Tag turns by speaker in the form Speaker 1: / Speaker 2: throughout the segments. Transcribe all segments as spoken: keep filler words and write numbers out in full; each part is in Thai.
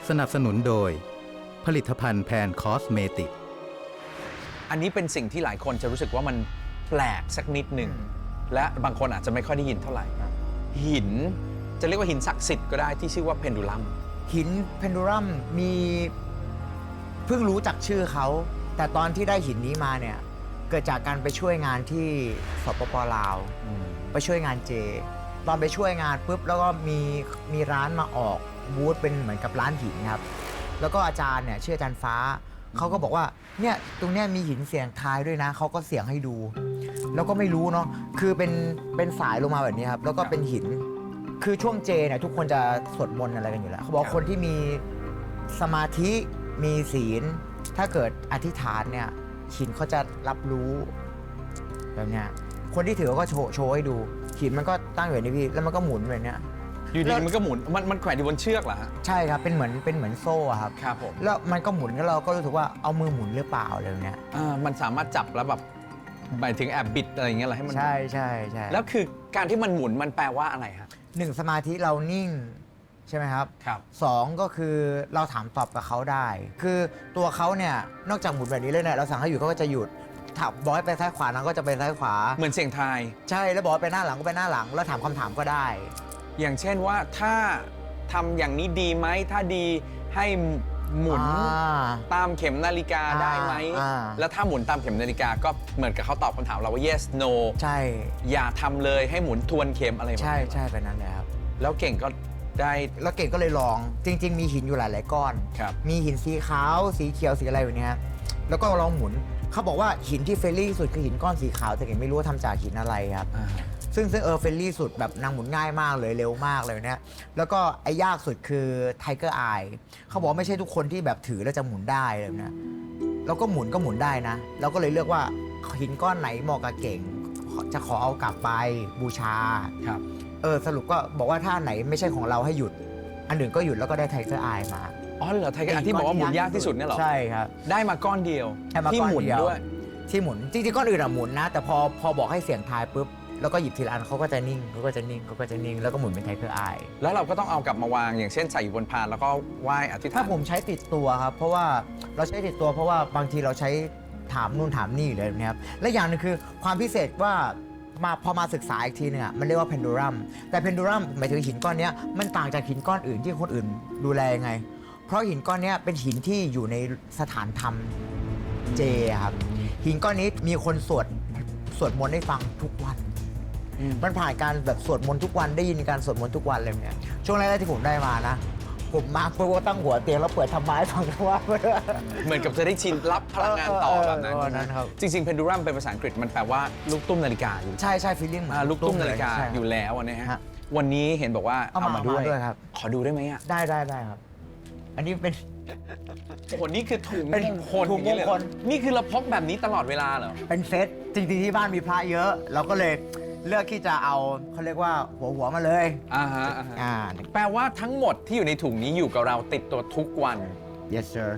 Speaker 1: สนับสนุนโดยผลิตภัณฑ์แพนคอสเมติก
Speaker 2: อันนี้เป็นสิ่งที่หลายคนจะรู้สึกว่ามันแปลกสักนิดหนึ่งและบางคนอาจจะไม่ค่อยได้ยินเท่าไหร่หินจะเรียกว่าหินศักดิ์สิทธิ์ก็ได้ที่ชื่อว่าเพนดูลัม
Speaker 3: หินเพนดูลัมมีเพิ่งรู้จักชื่อเขาแต่ตอนที่ได้หินนี้มาเนี่ยเกิดจากการไปช่วยงานที่สปป.ลาวไปช่วยงานเจตอนไปช่วยงานปุ๊บแล้วก็มีมีร้านมาออกบูธเป็นเหมือนกับร้านหินครับแล้วก็อาจารย์เนี่ยชื่ออาจารย์ฟ้าเขาก็บอกว่าเนี่ยตรงเนี้ยมีหินเสียงทายด้วยนะเขาก็เสียงให้ดูแล้วก็ไม่รู้เนาะคือเป็นเป็นสายลงมาแบบนี้ครับแล้วก็เป็นหินคือช่วงเจเนี่ยทุกคนจะสวดมนต์อะไรกันอยู่แล้วเขาบอกคนที่มีสมาธิมีศีลถ้าเกิดอธิษฐานเนี่ยหินเขาจะรับรู้แบบเนี้ยคนที่ถือก็โชว์โชว์ให้ดูหินมันก็ตั้งอยู่ในพี่แล้วมันก็หมุนแบบเนี้ย
Speaker 2: อยู่ดีมันก็หมุนมันมันแขวนอยู่บนเชือกเหรอฮะ
Speaker 3: ใช่ครับเป็นเหมือนเป็นเหมือนโซ่ครับ
Speaker 2: ครับผม
Speaker 3: แล้วมันก็หมุนแล้วเราก็รู้สึกว่าเอามือหมุนหรือเปล่าอะไรเนี้ย
Speaker 2: อ่ามันสามารถจับแล้วแบบหมายถึงแอบบิดอะไรอย่างเงี้ยเหรอให้มัน
Speaker 3: ใช่ใช่ใช่
Speaker 2: แล้วคือการที่มันหมุนมันแปลว่าอะไรฮะ
Speaker 3: หนึ่งสมาธิเรานิ่งใช่ไหมครับ
Speaker 2: ครับ
Speaker 3: สองก็คือเราถามตอบกับเขาได้ คือตัวเขาเนี่ยนอกจากหมุนแบบนี้เลยเนี่ยเราสั่งให้หยุดเขาก็จะหยุดถามบอกให้ไปซ้ายขวานางก็จะไปซ้ายขวา
Speaker 2: เหมือนเสียงทาย
Speaker 3: ใช่แล้วบอกให้ไปหน้าหลังก็ไปหน้าหลังแล้วถามคำถามก็ได้
Speaker 2: อย่างเช่นว่าถ้าทำอย่างนี้ดีไหมถ้าดีให้หมุนตามเข็มนาฬิกาได้ไหมแล้วถ้าหมุนตามเข็มนาฬิกาก็เหมือนกับเขาตอบคำถามเราว่า yes no
Speaker 3: ใช่
Speaker 2: อย่าทำเลยให้หมุนทวนเข็มอะไรแบบนี้
Speaker 3: ใช่ใช่ไปนั้นแหละครับ
Speaker 2: แล้วเก่งก็ได้
Speaker 3: แล้วเก่งก็เลยลองจริงๆมีหินอยู่หลายๆก้อนมีหินสีขาวสีเขียวสีอะไรแบบนี้แล้วก็ลองหมุนเขาบอกว่าหินที่เฟรนลี่สุดคือหินก้อนสีขาวแต่เก่งไม่รู้ว่าทำจากหินอะไรครับซึ่งซึ่งเออเฟรนลี่สุดแบบนางหมุนง่ายมากเลยเร็วมากเลยเนี่ยแล้วก็ไอ้ยากสุดคือไทเกอร์ไอเขาบอกไม่ใช่ทุกคนที่แบบถือแล้วจะหมุนได้เลยนะแล้วก็หมุนก็หมุนได้นะเราก็เลยเลือกว่าหินก้อนไหนเหมาะกับเก่งจะขอเอากลับไปบูชา
Speaker 2: ครับ
Speaker 3: เออสรุปก็บอกว่าถ้าไหนไม่ใช่ของเราให้หยุดอันหนึ่งก็หยุดแล้วก็ได้ไทเกอร์ไอมา
Speaker 2: อ๋อเหรอไทเกอร์ไอที่บอกว่าหมุนยากที่สุดเนี่ยหรอ
Speaker 3: ใช่ครับ
Speaker 2: ได้มาก้อนเดียวที่หมุนด้วย
Speaker 3: ที่หมุนจริงๆก้อนอื่นอะหมุนนะแต่พอพอบอกให้เสียงทายปุ๊บแล้วก็หยิบทีละอันเขาก็จะนิ่งเขาก็จะนิ่งเขาก็จะนิ่งแล้วก็หมุนเป็นไทเกอร์ไอ
Speaker 2: แล้วเราก็ต้องเอากลับมาวางอย่างเช่นใส่อยู่บนพานแล้วก็ไหว้อธิษฐาน
Speaker 3: ถ้าผมใช้ติดตัวครับเพราะว่าเราใช้ติดตัวเพราะว่าบางทีเราใช้ถามนู่นถามนี่เลยนะครับและอย่างนึงคือความพิเศษว่ามาพอมาศึกษาอีกทีนึงอ่ะมันเรียกว่าเพนดูลัมแต่เพนดูลัมหมายถึงหินก้อนนี้มันต่างจากหินก้อนอื่นที่คนอื่นดูแลยังไงเพราะหินก้อนนี้เป็นหินที่อยู่ในสถานธรรมเจครับหินก้อนนี้มีคนสวดสวดมนต์ให้ฟังทุกวันมันผ่านการแบบสวดมนต์ทุกวันได้ยินการสวดมนต์ทุกวันเลยเนี่ยช่วงแรกๆที่ผมได้มานะผมมาเพื่อว่าตั้งหัวเตียงแล้วเปิดทำไม้ฟังทุกวัน
Speaker 2: เหมือนกับจะได้ชินรับพลังงานต่อแบบนั้น
Speaker 3: ครับ
Speaker 2: จริงๆเพนดูลัมเป็นภาษาอังกฤษมันแปลว่าลูกตุ้มนาฬิกาอยู่
Speaker 3: ใช่ใช่ฟีลลิ่ง
Speaker 2: ลูกตุ้มนาฬิกาอยู่แล้วนะฮะวันนี้เห็นบอกว่าเอามาด้วย
Speaker 3: ครับ
Speaker 2: ขอดูได้ไหมอ่ะ
Speaker 3: ได้ได้ได้ครับอันนี้เป็น
Speaker 2: โอ้โหนี่คือถุงมงคล
Speaker 3: ถุงมงคล
Speaker 2: นี่คือเราพกแบบนี้ตลอดเวลาเหรอ
Speaker 3: เป็นเซตจริงๆที่บ้านมีพระเยอะเราก็เลยเลือกที่จะเอาเขาเรียกว่าหัวหัวมาเลย
Speaker 2: อ่าฮะอ่าแปลว่าทั้งหมดที่อยู่ในถุงนี้อยู่กับเราติดตัวทุกวัน
Speaker 3: yes sir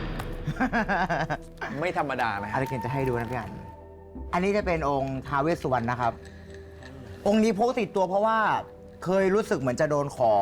Speaker 2: ไม่ธรรมดานะ
Speaker 3: อะไรเก่งจะให้ดูนะพี่อันอันนี้จะเป็นองค์ท้าวเวสสุวรรณนะครับองค์นี้พกติดตัวเพราะว่าเคยรู้สึกเหมือนจะโดนของ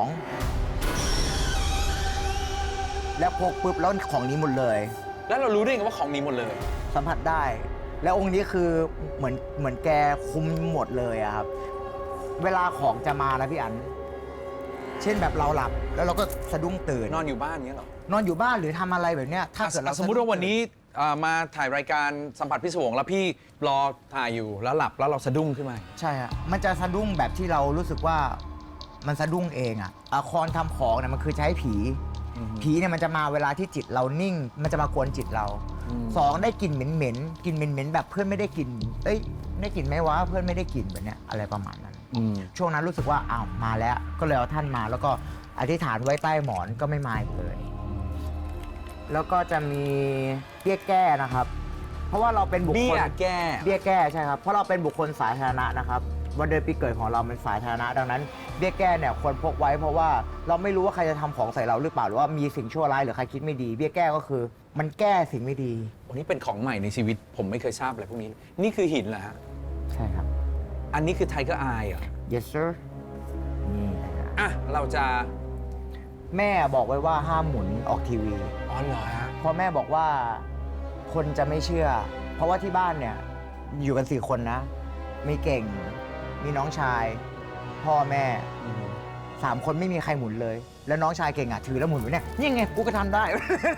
Speaker 3: แล้วพกปุ๊บแล้วของนี้หมดเลย
Speaker 2: แล้วเรารู้ได้ไงว่าของนี้หมดเลย
Speaker 3: สัมผัสได้แล้วองค์นี้คือเหมือนเหมือนแกคุมหมดเลยอะครับเวลาของจะมานะพี่อันเช่นแบบเราหลับแล้วเราก็สะดุ้งตื่น
Speaker 2: นอนอยู่บ้านเงี้ยหรอน
Speaker 3: อนอยู่บ้านหรือทำอะไรแบบเนี้ยถ้าเกิดเรา
Speaker 2: สมมติว่าวันนี้มาถ่ายรายการสัมผัสพิศวงแล้วพี่รอถ่ายอยู่แล้วหลับแล้วเราสะดุ้งขึ้นมา
Speaker 3: ใช่ฮะมันจะสะดุ้งแบบที่เรารู้สึกว่ามันสะดุ้งเองอะอะครทำของเนี่ยมันคือใช้ผีผีเนี่ยมันจะมาเวลาที่จิตเรานิ่งมันจะมากวนจิตเราสองได้กลิ่นเหม็นๆกลิ่นเหม็นๆแบบเพื่อนไม่ได้กลิ่นเอ้ยได้กลิ่นไหมวะเพื่อนไม่ได้กลิ่นแบบเนี้ยอะไรประมาณนั้นช่วงนั้นรู้สึกว่าอ้าวมาแล้วก็เลยเอาท่านมาแล้วก็อธิษฐานไว้ใต้หมอนก็ไม่มาอีกเลยแล้วก็จะมีเบี้ยแก้นะครับเพราะว่าเราเป็นบุคคล
Speaker 2: เบี้ยแก้
Speaker 3: เบี้ยแก้ใช่ครับเพราะเราเป็นบุคคลสาธารณะนะครับวันเดือนปีเกิดของเราเป็นสาธารณะดังนั้นเบี้ยแก้เนี่ยควรพกไว้เพราะว่าเราไม่รู้ว่าใครจะทำของใส่เราหรือเปล่าหรือว่ามีสิ่งชั่วร้ายหรือใครคิดไม่ดีเบี้ยแก้ก็คือมันแก้สิ่งไม่ดี
Speaker 2: อันนี้เป็นของใหม่ในชีวิตผมไม่เคยทราบอะไรพวกนี้นี่คือหินเหรอฮะ
Speaker 3: ใช่ครับ
Speaker 2: อันนี้คือไทเกอร์ไอเหรอ
Speaker 3: yes sir นี่
Speaker 2: อ่ะเราจะ
Speaker 3: แม่บอกไว้ว่าห้ามหมุนออกทีวี
Speaker 2: อ๋อเหรอฮะ
Speaker 3: เพราะแม่บอกว่าคนจะไม่เชื่อ เพราะว่าที่บ้านเนี่ยอยู่กันสี่คนนะ มีเก่ง มีน้องชาย พ่อแม่สามคนไม่มีใครหมุนเลย แล้วน้องชายเก่งอ่ะถือแล้วหมุนอยู่เนี่ยนี่ไงกูก็ทำได้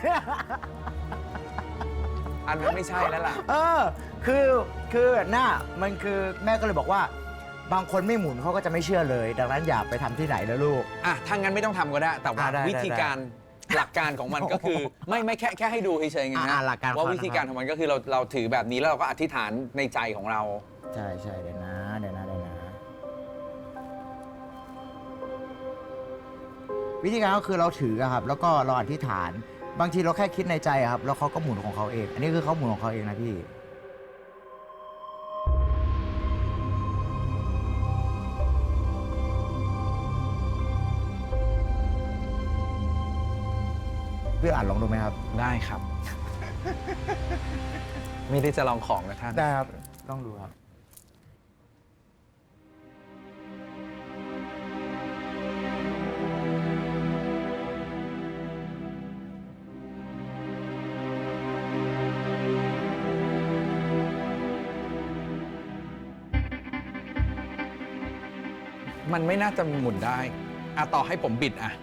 Speaker 2: อันนั้นไม่ใช่แล้วล่ะ
Speaker 3: เออคือคือหน้ามันคือแม่ก็เลยบอกว่า บางคนไม่หมุนเขาก็จะไม่เชื่อเลย ดังนั้นอย่าไปทำที่ไหนแล้วลูก
Speaker 2: อ่ะถ้างั้นไม่ต้องทำก็ได้ แต่ว่า
Speaker 3: อ่ะได้
Speaker 2: วิธีการหลักการของมันก็คือ ไม่ไม่แค่แค่ให้ดูเฉยๆไง
Speaker 3: อ่ะ
Speaker 2: นะ
Speaker 3: หลักการ
Speaker 2: ว่า
Speaker 3: ของ
Speaker 2: วิธีการของมันก็คือเราเราถือแบบนี้แล้วเราก็อธิษฐานในใจของเรา
Speaker 3: ใช่ใช่เดี๋ยวนะเดี๋ยวนะเดี๋ยวนะวิธีการก็คือเราถืออะครับ แล้วก็เราอธิษฐาน บางทีเราแค่คิดในใจอะครับ แล้วเขาก็หมุนของเขาเอง อันนี้คือเขาหมุนของเขาเองนะพี่ พี่อ่านลองดูไหมครับ
Speaker 2: ได้ครับ ไม่ได้จะลองของนะท่าน
Speaker 3: ได้ครับต้องดูครับ
Speaker 2: มันไม่น่าจะหมุนได้อะต่อให้ผมบิดอะ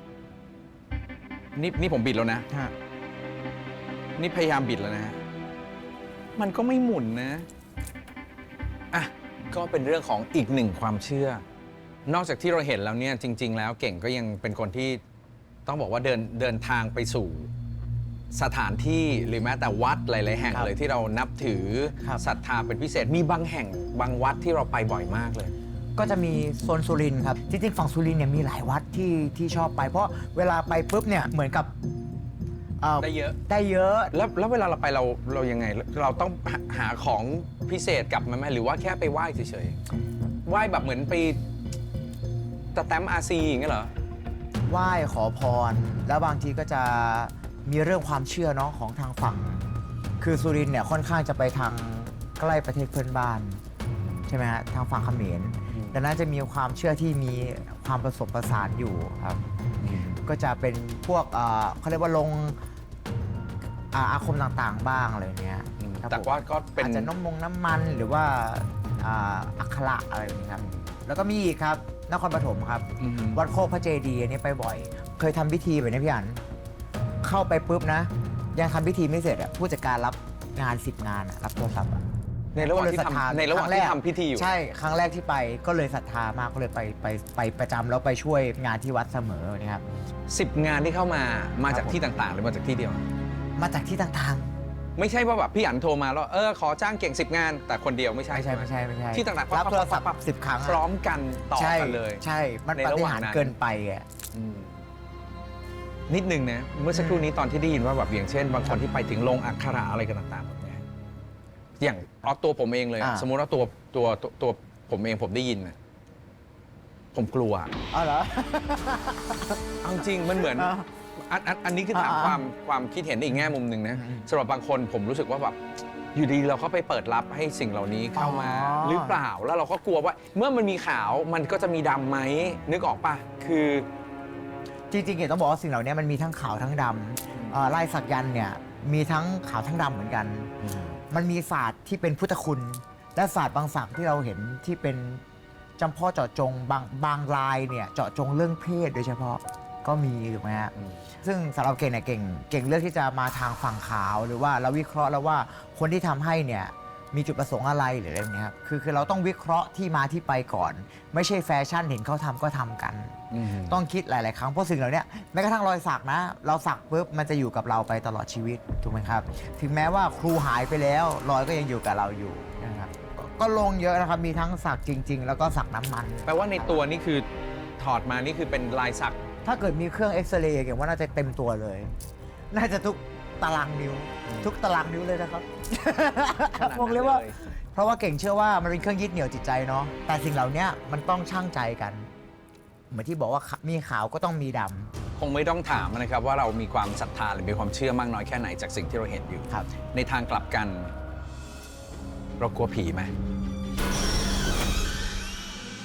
Speaker 2: นี่นี่ผมบิดแล้วนะ
Speaker 3: ฮะ
Speaker 2: นี่พยายามบิดแล้วนะ มันก็ไม่หมุนนะอ่ะก็เป็นเรื่องของอีกหนึ่งความเชื่อ นอกจากที่เราเห็นแล้วเนี่ยจริง ๆ แล้วเก่งก็ยังเป็นคนที่ต้องบอกว่าเดินเดินทางไปสู่สถานที่หรือแม้แต่วัดหลาย ๆ แห่ง
Speaker 3: ครับ
Speaker 2: เลยที่เรานับถือ
Speaker 3: ครับ
Speaker 2: ศรัทธาเป็นพิเศษมีบางแห่งบางวัดที่เราไปบ่อยมากเลย
Speaker 3: ก็จะมีโซนสุรินทร์ครับ จริงๆฝั่งสุรินทร์เนี่ยมีหลายวัดที่ที่ชอบไป เพราะเวลาไปปุ๊บเนี่ยเหมือนกับเอ่อ
Speaker 2: ได้เยอะ
Speaker 3: ได้เยอะ
Speaker 2: แล้วแล้วเวลาเราไปเราเรายังไง เราต้องหาหาของพิเศษกลับมาไหมหรือว่าแค่ไปไหว้เฉยๆไหว้แบบเหมือนไปสแตมป์อาซีอย่างเงี้ยเหรอ
Speaker 3: ไหว้ขอพร แล้วบางทีก็จะมีเรื่องความเชื่อเนาะของทางฝั่ง คือสุรินทร์เนี่ยค่อนข้างจะไปทางใกล้ประเทศเพื่อนบ้าน ใช่ไหมฮะทางฝั่งเขมรดังนั้นจะมีความเชื่อที่มีความผสมผสานอยู่ครับ ก็จะเป็นพวกเอ่อเขาเรียกว่าลงอาอาคมต่างๆบ้างอะไรเนี้ยครับ
Speaker 2: แต่
Speaker 3: ผม
Speaker 2: ว่าก็เป็น
Speaker 3: อาจจะน้ำมงน้ำมันหรือว่าอ่าอักขระอะไรแบบนี้ครับ แล้วก็มีอีกครับนครปฐมครับ
Speaker 2: อืม
Speaker 3: วัดโคกพระเจดีย์อันนี้ไปบ่อย เคยทำพิธีแบบนี้พี่อันเข้าไปปุ๊บนะ ยังทำพิธีไม่เสร็จอะผู้จัดการรับงานสิบงานอะรับโทรศัพท์อะ
Speaker 2: ในระหว่างที่
Speaker 3: ก็เลยศรัทธา
Speaker 2: ทำในระหว่าง
Speaker 3: ครั้งแร
Speaker 2: ที่
Speaker 3: ก
Speaker 2: ทำพิธีอยู่
Speaker 3: ใช่ครั้งแรกที่ไปก็เลยศรัทธามากก็เลยไปไปไปประจำแล้วไปช่วยงานที่วัดเสมอนะครับ
Speaker 2: สิบงานที่เข้ามามาจาก
Speaker 3: ครับผม
Speaker 2: ที่ต่างๆ หรือมาจากที่เดียว
Speaker 3: มาจากที่ต่าง
Speaker 2: ไม่ใช่ว่าแบบพี่อั๋นโทรมาแล้วเออขอจ้างเก่งสิบงาน แต่คนเดียวไม่
Speaker 3: ๆ
Speaker 2: ใช่
Speaker 3: ไม่ใช่ไม่ใช่ไม่ใช่
Speaker 2: ที่ต่างๆ
Speaker 3: รับโทรศัพท์
Speaker 2: ปั๊บ
Speaker 3: สิบครั้งอะ
Speaker 2: พร้อมกันต่อ
Speaker 3: ใช่
Speaker 2: กันเลย
Speaker 3: ใช่ มัน
Speaker 2: ใน
Speaker 3: ปา
Speaker 2: ระ
Speaker 3: ฏิ
Speaker 2: หว่าง
Speaker 3: หาริ
Speaker 2: นั้
Speaker 3: ย์
Speaker 2: น
Speaker 3: เกินไปอะ
Speaker 2: อืมนิดนึงนะเมื่อสักครู่นี้ตอนที่ได้ยินว่าแบบอย่างเช่น บางคนที่ไปถึงลงอักขระอะไรกันต่างๆแบบเนี้ยอย่างเอาตัวผมเองเลยอะ
Speaker 3: อ่า
Speaker 2: สมมุติว่าตัวตัวตัวตัวผมเองผมได้ยินนะผมกลัว
Speaker 3: อ๋อเหรอ
Speaker 2: เอาจริงมันเหมือน
Speaker 3: อ่า
Speaker 2: อันอันอันนี้คือถาม
Speaker 3: อ่า
Speaker 2: ความความคิดเห็นอีกแง่มุมหนึ่งนะ
Speaker 3: อืม
Speaker 2: สำหรับบางคนผมรู้สึกว่าแบบอยู่ดีเราก็ไปเปิดรับให้สิ่งเหล่านี้เข้ามา
Speaker 3: อ๋อ
Speaker 2: หรือเปล่าแล้วเราก็กลัวว่า เมื่อมันมีขาวมันก็จะมีดำไหมนึกออกปะคือ
Speaker 3: จริงๆเห็นต้องบอกว่าสิ่งเหล่านี้มันมีทั้งขาวทั้งดำเอ่อลายสักยันต์เนี่ยมีทั้งขาวทั้งดำเหมือนกัน มันมีศาสตร์ที่เป็นพุทธคุณ และศาสตร์บางศักดิ์ที่เราเห็นที่เป็นจำเพาะเจาะจงบางบางลายเนี่ยเจาะจงเรื่องเพศโดยเฉพาะก็มีถูกไหมฮะ
Speaker 2: อืม
Speaker 3: ซึ่งสำหรับเก่งเนี่ยเก่งเก่งเลือกที่จะมาทางฝั่งขาวหรือว่าเราวิเคราะห์แล้วว่าคนที่ทำให้เนี่ยมีจุดประสงค์อะไรหรืออะไรแบบนี้ครับคือคือเราต้องวิเคราะห์ที่มาที่ไปก่อน ไม่ใช่แฟชั่นเห็นเขาทำก็ทำกัน
Speaker 2: อืม
Speaker 3: ต้องคิดหลาย ๆ ครั้งเพราะสิ่งเหล่านี้แม้กระทั่งรอยสักนะ เราสักปุ๊บมันจะอยู่กับเราไปตลอดชีวิตถูกไหมครับ ถึงแม้ว่าครูหายไปแล้วรอยก็ยังอยู่กับเราอยู่นะครับก็ก็ลงเยอะนะครับมีทั้งสักจริง ๆ แล้วก็สักน้ำมัน
Speaker 2: แปลว่าในตัวนี่คือถอดมานี่คือเป็นลายสัก
Speaker 3: ถ้าเกิดมีเครื่องเอ็กซเรย์เก่งว่าน่าจะเต็มตัวเลย น่าจะทุกตารางนิ้ว ทุกตารางนิ้วเลยนะครับ
Speaker 2: ขนาดนั้น
Speaker 3: บอกเลยว่า
Speaker 2: เลย
Speaker 3: เพราะว่าเก่งเชื่อว่ามันเป็นเครื่องยึดเหนี่ยวจิตใจเนาะแต่สิ่งเหล่านี้มันต้องชั่งใจกัน เหมือนที่บอกว่ามีขาวก็ต้องมีดำ
Speaker 2: คงไม่ต้องถามนะครับว่าเรามีความศรัทธาหรือมีความเชื่อมากน้อยแค่ไหนจากสิ่งที่เราเห็นอยู่
Speaker 3: ครับ
Speaker 2: ในทางกลับกัน เรากลัวผีไหม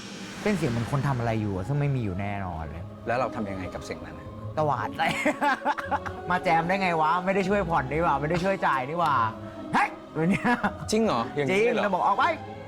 Speaker 3: เป็นเสียงเหมือนคนทำอะไรอยู่อะซึ่งไม่มีอยู่แน่นอนเลย
Speaker 2: แล้วเราทำยังไงกับเสียงนั้นอะ
Speaker 3: ตวาดเลย มาแจมได้ไงวะ ไม่ได้ช่วยผ่อนนี่หว่า ไม่ได้ช่วยจ่ายนี่หว่าเฮ้ยแบบเนี้ย
Speaker 2: จริงเหรออย่าง
Speaker 3: จริ
Speaker 2: นี้
Speaker 3: ง
Speaker 2: เลยเหร
Speaker 3: เรา
Speaker 2: อ
Speaker 3: บอกออกไป